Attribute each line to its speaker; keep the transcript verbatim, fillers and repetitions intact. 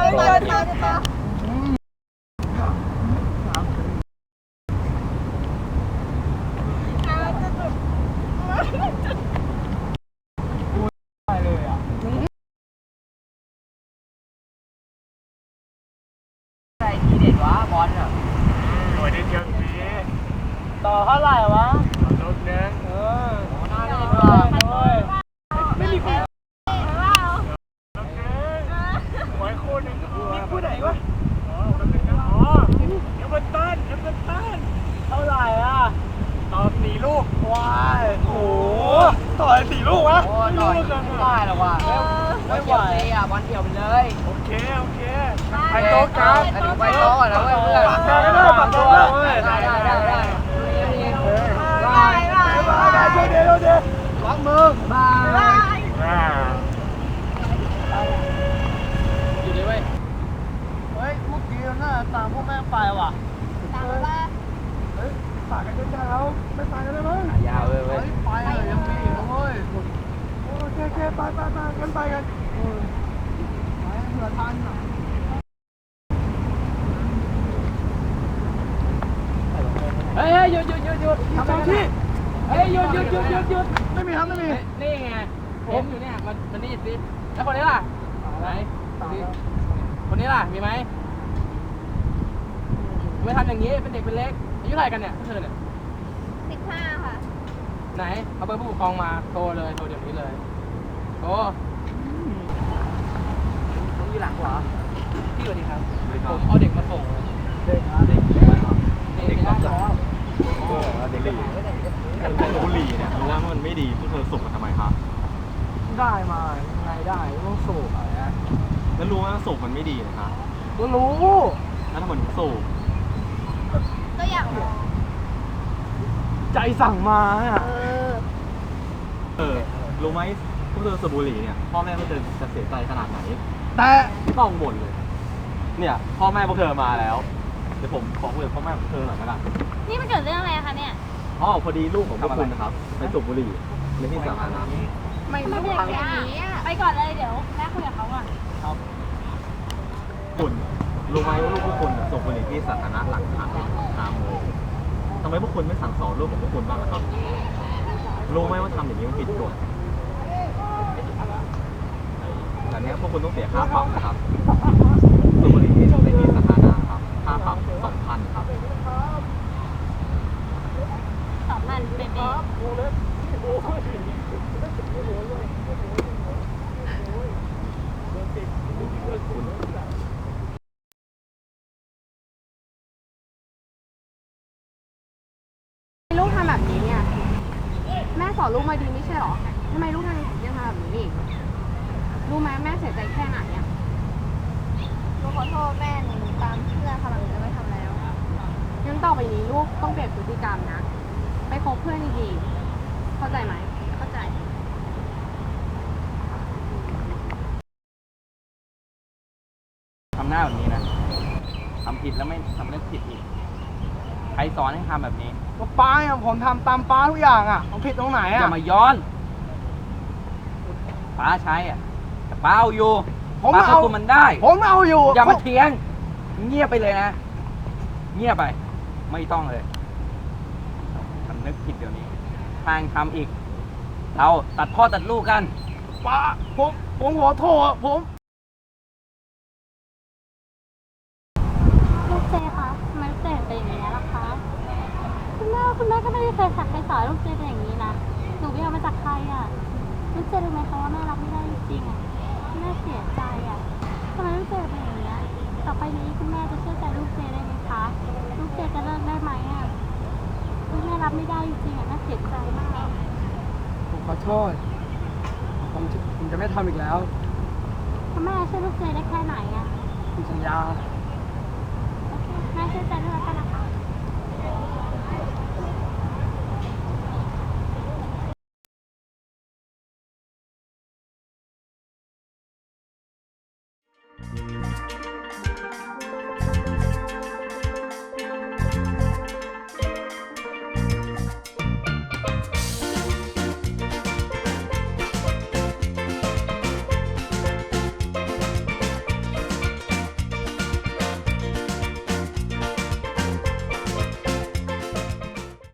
Speaker 1: มาเดี๋ยวมา
Speaker 2: ต่อเท่าไหร่วะลบนึงเออน่าเล่นด้วยไม่มีคู่ลบนึงหวยคู่นึงมีคู่ไหนวะอ๋อลบนึงอ๋อเอเวอร์ตันเอเวอร์ตันเท่าไหร่อ่ะต่อสี่ลูกว้ายโอ้โหต่อสี่ลูกวะไม่รู้กันไม่ได้หรอวะไม่ไหวอ่ะบอลเดี่ยวไปเลยโอเคโอเคไปโต๊ะกันไปโต๊ะแล้วเพื่อนปากกาก็ได้ปากกาได้ได้ได้ได้บายบายบายบายช่วยเดี๋ยวเดี๋ยวล้างมือบายบายอยู่ดีเว้ยเฮ้ยเมื่อกี้น่าตามพวกแม่ไปว่ะตามว่าเฮ้ยฝากกันยาวๆไม่ไปกันได้มั้งยาวเลยเว้ยไปเลยยังมีอีกเว้ยโอเคโอเคไปไปไปกันไปกันไปเผื่อทันอ่ะเฮ้ยหยุดหยุดหยุดหยุดทำอะไรที่เฮ้ยหยุดหยุดหยุดหยุดหยุดไม่มีครับไม่มีนี่ไงผมอยู่เนี่ยมันมันนี่สิแล้วคนนี้ล่ะไหนคนนี้ล่ะมีไหมไม่ทำอย่างนี้เป็นเด็กเป็นเล็กอายุเท่าไหร่กันเนี่ยเธอเนี่ย
Speaker 1: สิบห้าค่ะ
Speaker 2: ไหนเอาเบอร์ผู้ปกครองมาโทรเลยโทรเดี๋ยวนี้เลยโอ้ผมอยู่หลังขวาพี่สวัสดีครับผมเอาเด็กมาส่งเด็กเด็กเด็กมาส่งเด็กบุหรี่เนี่ยรู้ว่ามันไม่ดีพวกเธอสูบมันทำไมครับได้มาไงได้ต้องสูบอะไรนะแล้วรู้ว่าสูบมันไม่ดีนะครับก็รู้แล้วทำไมถึงสูบ
Speaker 1: ก็อยากลอง
Speaker 2: ใจสั่งมาอ่ะ
Speaker 1: เออ
Speaker 2: เออรู้ไหมพวกเธอสูบบุหรี่เนี่ยพ่อแม่พวกเธอจะเสียใจขนาดไหนแต่ต้องบ่นเลยเนี่ยพ่อแม่พวกเธอมาแล้วเดี๋ยวผมขอคุยกับพ่อแม่พวกเธอหน่อยละกัน
Speaker 1: นี่มันเกิดเรื่องอะไรคะเนี่ย
Speaker 2: อ๋อพอดีลูกของพวกคุณนะครับไปสูบบุหรี่ในที่สาธารณะ
Speaker 1: ไม่ไม่เป็นอย่างนี้ไปก่อนเลยเดี๋ยวแม่คุยกับเขาก่อน
Speaker 2: ครับคุณรู้ไหมว่าลูกพวกคุณสูบบุหรี่ที่สาธารณะหลังทางทางเลยทำไมพวกคุณไม่สั่งสอนลูกของพวกคุณบ้างนะครับรู้ไหมว่าทำอย่างนี้มันผิดกฎแต่เนี้ยพวกคุณต้องเสียค่าปรับนะครับสูบบุหรี่ที่ในที่สาธารณะครับค่าปรับสองพันครับ
Speaker 1: สองพันเบบีลูกทำแบบนี้เนี่ยแม่สอนลูกมาดีไม่ใช่หรอทำไมลูกทำยังทำแบบนี้อีกรู้ไหมแม่เสียใจแค่ไหนอ่ะลูกขอโทษแม่หนูตามเพื่อนคำหลังจะไม่ทำแล้วงั้นต่อไปนี้ลูกต้องเปลี่ยนพฤติกรรมนะไปคบเพื่อนดีๆเข้าใจไหมเข้าใจ
Speaker 2: ทำหน้าแบบนี้นะทำผิดแล้วไม่ทำเรื่องผิดอีกใครสอนให้ทำแบบนี้ก็ป้าอย่างผมทำตามป้าทุกอย่างอ่ะผมผิดตรงไหนอ่ะอย่ามาย้อนป้าใช้อ่ะแต่ป้าเอาอยู่ป้าควบคุมมันได้ผมเอาอยู่อย่ามาเถียงเงียบไปเลยนะเงียบไปไม่ต้องเลยทำนึกผิดเดี๋ยวนี้ทางทำอีกเราตัดพ่อตัดลูกกันป้าผมผมขอโทษผม
Speaker 1: ลูกเจคะทำไมลูกเจเป็นอย่างนี้ล่ะคะคุณแม่คุณแม่ก็ไม่ได้เคยสั่งใครสอนลูกเจเป็นอย่างนี้นะหนูไปเอามาจากใครอ่ะลูกเจรู้ไหมคะว่าแม่รับไม่ได้จริงๆอ่ะแม่เสียใจอ่ะทำไมลูกเจเป็นอย่างนี้ต่อไปนี้คุณแม่จะเชื่อใจลูกเจได้ไหมคะลูกเจจะเลิกได้ไหมอ่ะลูกแม่รับไม่ได้จริงๆอ่ะแม่เสียใจมาก
Speaker 2: ผมขอโทษผมจะผมจะไม่ทำอีกแล้ว
Speaker 1: คุณแม่ช่วยลูกเจได้แค่ไหนอ่ะ
Speaker 2: ผมสัญญา
Speaker 1: โอเคแม่เชื่อใจด้วยกันนะคะ